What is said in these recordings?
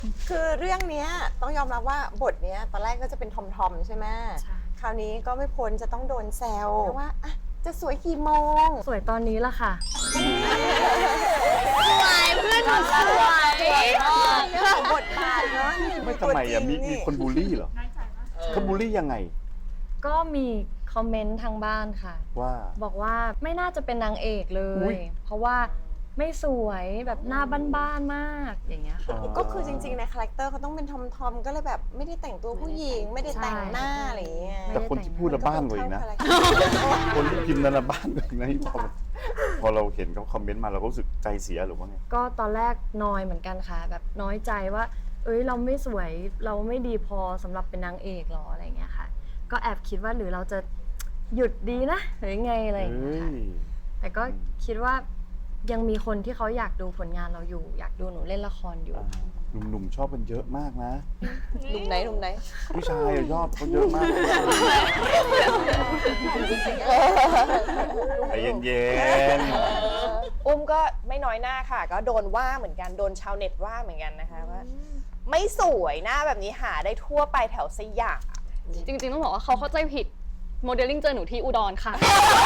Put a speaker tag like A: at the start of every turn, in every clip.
A: คือเรื่องเนี้ยต้องยอมรับว่าบทเนี้ยตอนแรกก็จะเป็นทอมๆใช่ไหมคราวนี้ก็ไม่พ้นจะต้องโดนแซวว่าอ่ะจะสวยกี่โมง
B: สวยตอนนี้ละค่ะ
C: สวยเพื่อนหนูสวย
A: เรื่องของบทบาทเนาะ
D: ไม่ทำไมอ่ะมีคนบูลลี่เหรอเขาบูลลี่ยังไง
B: ก็มีคอมเมนต์ทางบ้านค่ะ
D: ว่า
B: บอกว่าไม่น่าจะเป็นนางเอกเล
D: อุ๊
B: ย
D: ย
B: เพราะว่าไม่สวยแบบหน้าบ้านๆมากอย่างเงี้ยค่ะ
A: ก็คือจริงๆในคาแรคเตอร์เขาต้องเป็นทอมๆก็เลยแบบไม่ได้แต่งตัวผู้หญิงไม่ได้แต่งหน้าอะไรอย่างเงี้ย
D: แต่คนที่พูดละบ้านกว่าอีกนะ
A: ก็ต้องเข้าคาแรคเตอร์
D: คนที่พิมพ์นั่นละบ้านกว่าอีกนะที่พอเราเห็นเขาคอมเมนต์มาเราก็รู้สึกใจเสียหรือว่าไง
B: ก็ตอนแรกนอยเหมือนกันค่ะ แบบน้อยใจว่า เอ้ยเราไม่สวยเราไม่ดีพอสำหรับเป็นนางเอกหรออะไรเงี้ยค่ะ ก็แอบคิดว่าหรือเราจะหยุดดีนะหรือไงอะไรอย่างเงี้ยค่ะแต่ก็คิดว่ายังมีคนที่เขาอยากดูผลงานเราอยู่ อยากดูหนูเล่นละครอยู่
D: หนุ่มๆชอบกันเยอะมากนะ
A: หนุ่มไหน
D: ผู้ชายอะชอบเขาเยอะมากใจเย็น
C: อุ้มก็ไม่น้อยหน้าค่ะ ก็โดนว่าเหมือนกันโดนชาวเน็ตว่าเหมือนกันนะคะว่าไม่สวยหน้าแบบนี้หาได้ทั่วไปแถวสยาม
E: จริงๆต้องบอกว่าเขาเข้าใจผิดโมเดลลิ่งเจอหนูที่อุดรค่ะ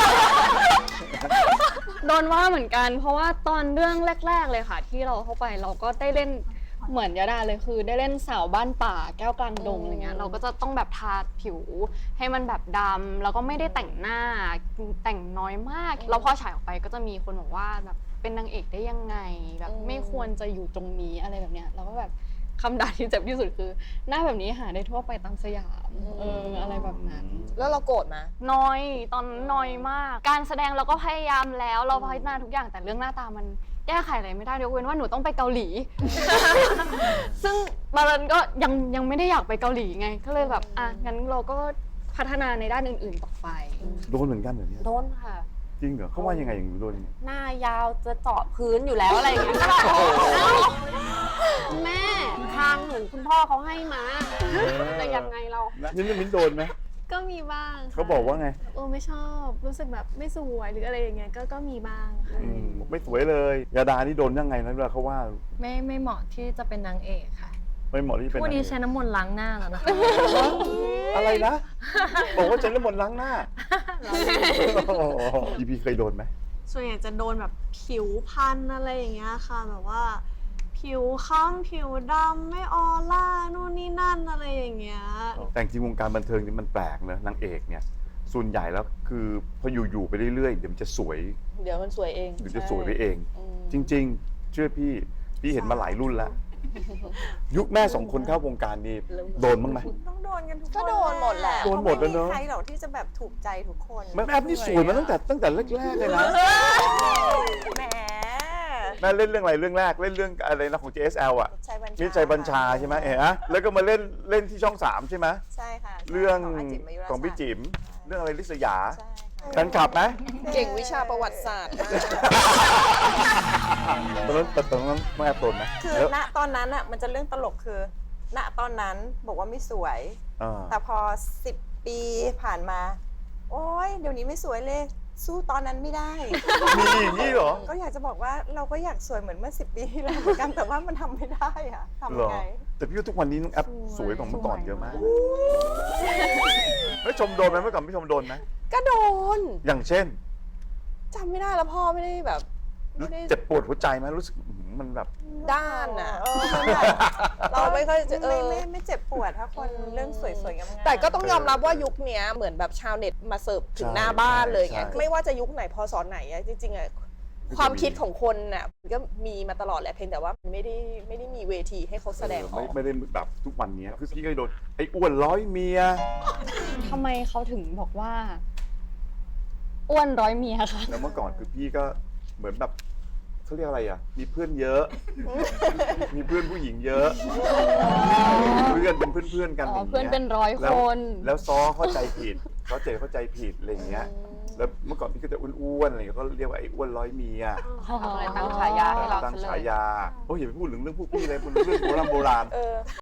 E: โดนว่าเหมือนกัน เพราะว่าตอนเรื่องแรก ๆเลยค่ะ ที่เราเข้าไปเราก็ได้เล่นเหมือนยาดาเลยคือ ได้เล่นสาวบ้านป่าแก้วกลางดงอะไรเงี้ยเราก็จะต้องแบบทาผิวให้มันแบบดำแล้วก็ไม่ได้แต่งหน้าแต่งน้อยมากแล้วพอฉายออกไปก็จะมีคนบอกว่าแบบเป็นนางเอกได้ยังไงแบบไม่ควรจะอยู่ตรงนี้อะไรแบบเนี้ยเราก็แบบคำด่าที่เจ็บที่สุดคือหน้าแบบนี้หาได้ทั่วไปตามสยามอะไรแบบนั้น
C: แล้วเราโกรธมา
E: น้อยตอนน้อยมาก การแสดงเราก็พยายามแล้วเราพัฒนาทุกอย่างแต่เรื่องหน้าตามันแก้ไขอะไรไม่ได้ยกเว้นว่าหนูต้องไปเกาหลี ซึ่งบารันก็ยังไม่ได้อยากไปเกาหลีไง ก็เลยแบบอ่ะงั้นเราก็พัฒนาในด้านอื่นๆต่อไป
D: ๆโดนเหมือนกันเหรอเนี่ย
C: โดนค่ะ
D: จริงเหรอเขาว่ายังไงอย่างโดนยังไง
C: หน้ายาวจะเจาะพื้นอยู่แล้วอะไรอย่างเงี้ยก็แบบคุณแม่ทางหนูคุณพ่อเขาให้มาแต่ยังไงเรา
D: มิ้นโดนไหม
F: ก็มีบ้างค่ะ
D: เขาบอกว่าไง
F: ไม่ชอบรู้สึกแบบไม่สวยหรืออะไรอย่างเงี้ยก็มีบ้างค่ะ
D: ไม่สวยเลยยาดานี่โดนยังไงนะเวลาเขาว่า
B: ไม่เหมาะที่จะเป็นนางเอกค่ะ
D: ไม่เหมาะที่เป็น
B: วันนี้
D: นางเอก
B: ใช้น้ำมนต์ล้างหน้าแล้วนะคะ
D: อะไรนะ บอกว่าใช้น้ำมนต์ล้างหน้าอีพีเคยโดนไหม
F: ส่วนใหญ่จะโดนแบบผิวพันอะไรอย่างเงี้ยค่ะแบบว่า ผิวค้ำผิวดำไม่ออร่านู่นนี่นั่นอะไรอย่างเงี้ย
D: แต่จริงวงการบันเทิงนี่มันแปลกนะนางเอกเนี่ยส่วนใหญ่แล้วคือพออยู่ๆไปเรื่อยๆเดี๋ยวมันจะสวย
C: เดี๋ยวมันสวยเอง
D: เดี๋ยวจะสวยไปเอง จริง ๆ เชื่อพี่เห็นมาหลายรุ่นแล้ว ยุคแม่สองคนเข้าวงการนี่โดนบ้างไหม
A: ต้องโดนกันทุกคน
C: ก็โดนหมดแหละ
D: โดนหมดแล้วเนอะ
A: ไม่มีใครหรอกที่จะแบบถูกใจทุกคน
D: แม่แอปนี่สวยมาตั้งแต่แรกๆเลยนะ
A: แหม
D: แม่เล่นเรื่องอะไรเรื่องแรกเล่นเรื่องอะไรนะของ JSL อ่ะ
A: ชัยบัญชา
D: มิตรชัยบัญชาใช่ไหมเอ๋แล้วก็มาเล่นที่ช่อง 3 ใช่ไหม
A: ใช่ค่ะ
D: เรื่อง
A: อาจิมมายุรา
D: ของพี่จิ๋มเรื่องอะไรลิศยา
A: ใช่ค่ะ
D: แฟนคลับไหม
C: เก่งวิชาประวัติศาสตร์มาก
D: ตอนนั้นแม่โดนไหม
A: คือ
D: แล้ว
A: ณตอนนั้นอ่ะมันจะเรื่องตลกคือ ณตอนนั้นบอกว่าไม่สวย แต่พอ10 ปีผ่านมา โอ๊ยเดี๋ยวนี้ไม่สวยเลย สู้ตอนนั้นไม่ได้
D: มีอย่างนี้เหรอ
A: ก็อยากจะบอกว่าเราก็อยากสวยเหมือนเมื่อ10 ปีที่แล้วเหมือนกันแต่ว่ามันทำไม่ได้อะทำ
D: เหร
A: ยั
D: อ
A: งไง
D: แต่พี่ว่าทุกวันนี้น้องแอปสวยกว่าเมื่อก่อนเยอะมากไม่ชมโดนไหมเมื่อก่อนไม่ชมโดนไหม
C: ก็โดน
D: อย่างเช่น
C: จำไม่ได้แล้วพ่อไม่ได้แบบไม่ได้
D: เจ็บปวดหัวใจไหมรู้สึกมันแบบ
C: ด้านอ่ะ
A: มันแบบ
C: เราไม่ค่อยจะ
A: ไม่เจ็บปวดถ้าคนเรื่องสวยๆงามๆ
C: แต่ก็ต้องยอมรับว่ายุคเนี้ยเหมือนแบบชาวเน็ตมาเสิร์ฟถึงหน้าบ้านเลยไง
D: ใช่
C: ไม่ว่าจะยุคไหนพศไหนอะจริงๆอะความคิดของคนน่ะมันก็มีมาตลอดแหละเพียงแต่ว่ามันไม่ได้มีเวทีให้เขาแสดงออก
D: ไม่ได้แบบทุกวันนี้คือพี่ก็โดนไอ้อ้วนร้อยเมีย
E: ทำไมเขาถึงบอกว่า อ้วนร้อยเมียคะ
D: แล้วเมื่อก่อนคือพี่ก็เหมือนแบบเขาเรียกอะไรอ่ะ มีเพื่อนเยอะ มีเพื่อนผู้หญิงเยอะเพื่อนเป็นเพื่อนๆกัน
E: อ๋อ
D: อย่างงี้ย
E: เพื่อนเป็นร้อย
D: แล้ว
E: คน
D: แล้วซ้อเข้าใจผิดเข้าใจผิดอะไรอย่างเงี้ย แล้วเมื่อก่อนพี่ก็จะอ้วนๆอะไรอย่างเงี้ยก็เรียกว่าไอ้อ้วนร้อยเมีย
C: อะไรตั้งฉายาให้เรา
D: ตั้ง
C: ซะเลย
D: ฉายาโอ้ยอย่าไปพูดถึงเรื่องพวกพี่เลยพูดเรื่องโบราณ